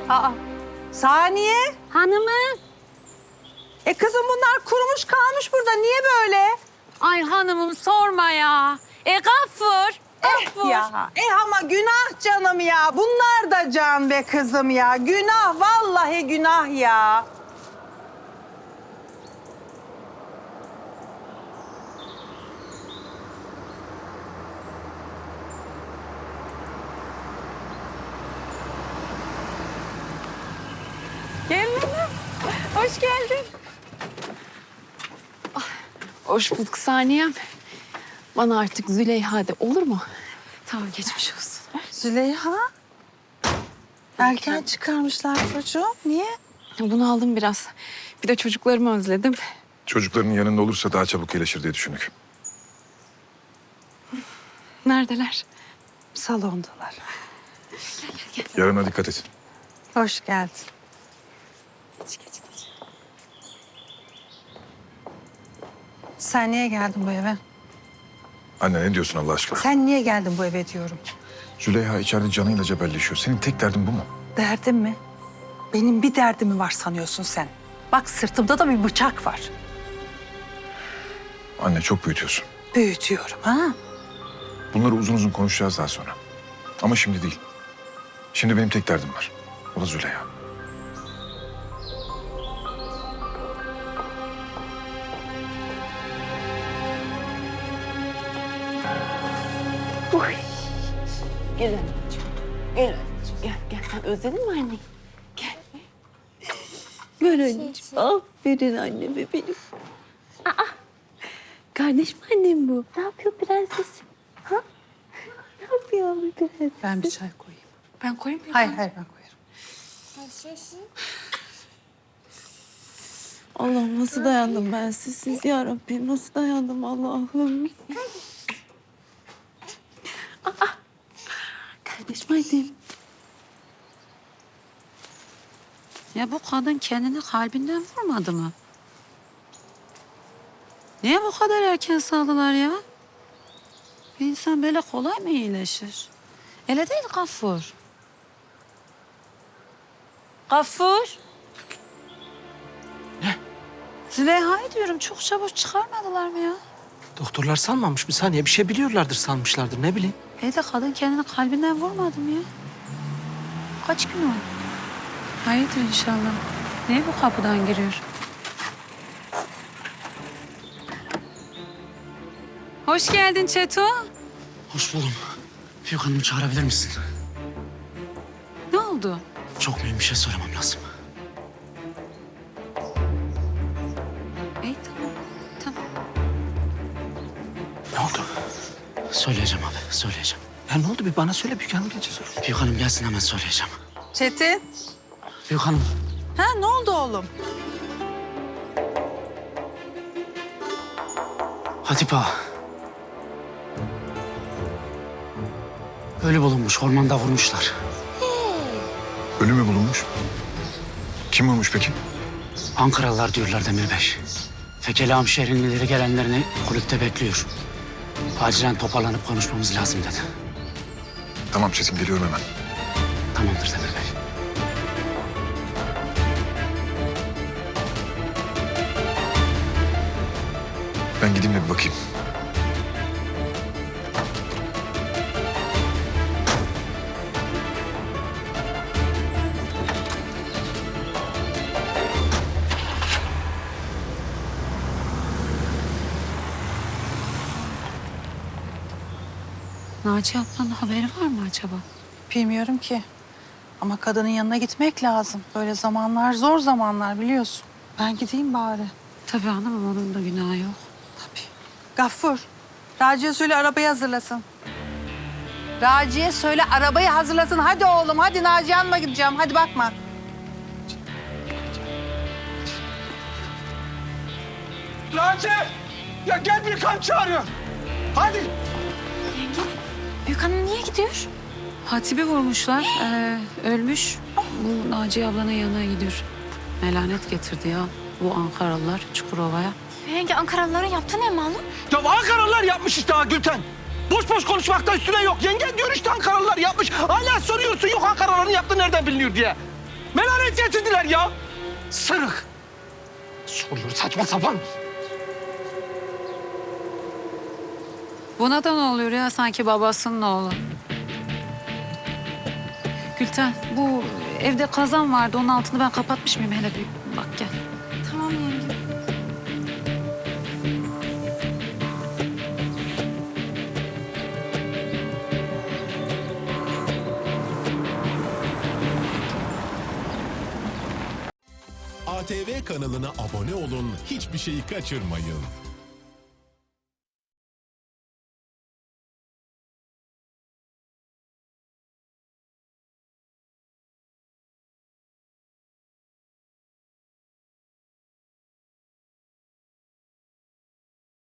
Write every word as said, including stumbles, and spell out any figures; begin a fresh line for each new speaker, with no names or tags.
Aa, Saniye.
Hanımım.
E kızım bunlar kurumuş kalmış burada. Niye böyle?
Ay hanımım sorma ya. E Gaffur. Gaffur.
Eh ya. Eh ama günah canım ya. Bunlar da can be kızım ya. Günah, vallahi günah ya.
Gel hanım. Hoş geldin. Ah, hoş bulduk Saniyem. Bana artık Züleyha de olur mu? Tamam geçmiş olsun.
Züleyha. Erken çıkarmışlar çocuğum. Niye?
Bunu aldım biraz. Bir de çocuklarımı özledim.
Çocukların yanında olursa daha çabuk iyileşir diye düşündük.
Neredeler?
Salondalar.
Yarına dikkat et.
Hoş geldin.
Geç, geç, geç.
Sen niye geldin bu eve?
Anne ne diyorsun Allah aşkına?
Sen niye geldin bu eve diyorum.
Züleyha içeride canıyla cebelleşiyor. Senin tek derdin bu mu?
Derdim mi? Benim bir derdim var sanıyorsun sen. Bak sırtımda da bir bıçak var.
Anne çok büyütüyorsun.
Büyütüyorum ha.
Bunları uzun uzun konuşacağız daha sonra. Ama şimdi değil. Şimdi benim tek derdim var. O da Züleyha.
Gel anneciğim. Gel anneciğim. Gel, gel. Sen özledin mi anneyi? Gel. Gel anneciğim. Aferin anneme benim. Aa, kardeş mi annem bu? Ne yapıyor prenses? Ha? Ne yapıyor bu prenses?
Ben bir çay koyayım.
Ben koyayım mı?
Hayır hayır ben koyarım.
Allah'ım nasıl dayandım ben sizsiz ya Rabbim. Nasıl dayandım Allah'ım. Aa, kardeşim annem. Ya bu kadın kendini kalbinden vurmadı mı? Niye bu kadar erken saldılar ya? Bir insan böyle kolay mı iyileşir? Öyle değil Gaffur. Gaffur.
Ne?
Züleyha'yı diyorum çok çabuk çıkarmadılar mı ya?
Doktorlar sanmamış. Bir saniye bir şey biliyorlardır sanmışlardır ne bileyim.
İyi de kadın kendini kalbinden vurmadı mı ya? Kaç gün oldu? Hayırdır inşallah. Niye bu kapıdan giriyor? Hoş geldin Çeto.
Hoş buldum. Büyük Hanım'ı çağırabilir misin?
Ne oldu?
Çok mühim bir şey söylemem lazım.
İyi tamam. Tamam.
Ne oldu? Söyleyeceğim abi, söyleyeceğim. Ya ne oldu bir bana söyle Büyük Hanım gelince sor. Büyük Hanım gelsin hemen söyleyeceğim.
Çetin.
Büyük Hanım.
Ha ne oldu oğlum?
Hatip ağa. Ölü bulunmuş, ormanda vurmuşlar.
Ölü mü bulunmuş? Kim vurmuş peki?
Ankaralılar diyorlar Demir Bey. Fekeli Hamşehri'nin ileri gelenlerini kulüpte bekliyor. Acilen toparlanıp konuşmamız lazım dedi.
Tamam Çetin geliyorum hemen.
Tamamdır Demir Bey.
Ben gideyim de bir bakayım.
Naciye ablanın haberi var mı acaba?
Bilmiyorum ki. Ama kadının yanına gitmek lazım. Böyle zamanlar zor zamanlar biliyorsun. Ben gideyim bari.
Tabii hanımım onun da günahı yok.
Tabii. Gaffur, Raci'ye söyle arabayı hazırlasın. Raci'ye söyle arabayı hazırlasın. Hadi oğlum, hadi Naciye Hanım'a gideceğim. Hadi bakma.
Raci! Ya gel bir kan çağırıyor. Hadi.
Büyük hanım niye gidiyor? Hatip'i vurmuşlar. Ee, ölmüş. Bu Naciye ablanın yanına gidiyor. Melanet getirdi ya bu Ankaralılar Çukurova'ya.
Yenge Ankaralıların yaptığı ne malum?
Ya Ankaralılar yapmış işte ha Gülten. Boş boş konuşmakta üstüne yok. Yengen diyor işte Ankaralılar yapmış. Hala soruyorsun yok Ankaralıların yaptığı nereden biliniyor diye. Melanet getirdiler ya. Sırık. Soruyor saçma sapan.
Buna da ne oluyor ya sanki babasının oğlu? Gülten bu evde kazan vardı onun altını ben kapatmış mıyım? Hele bir bak gel.
Tamam yenge.
A T V kanalına abone olun, hiçbir şeyi kaçırmayın.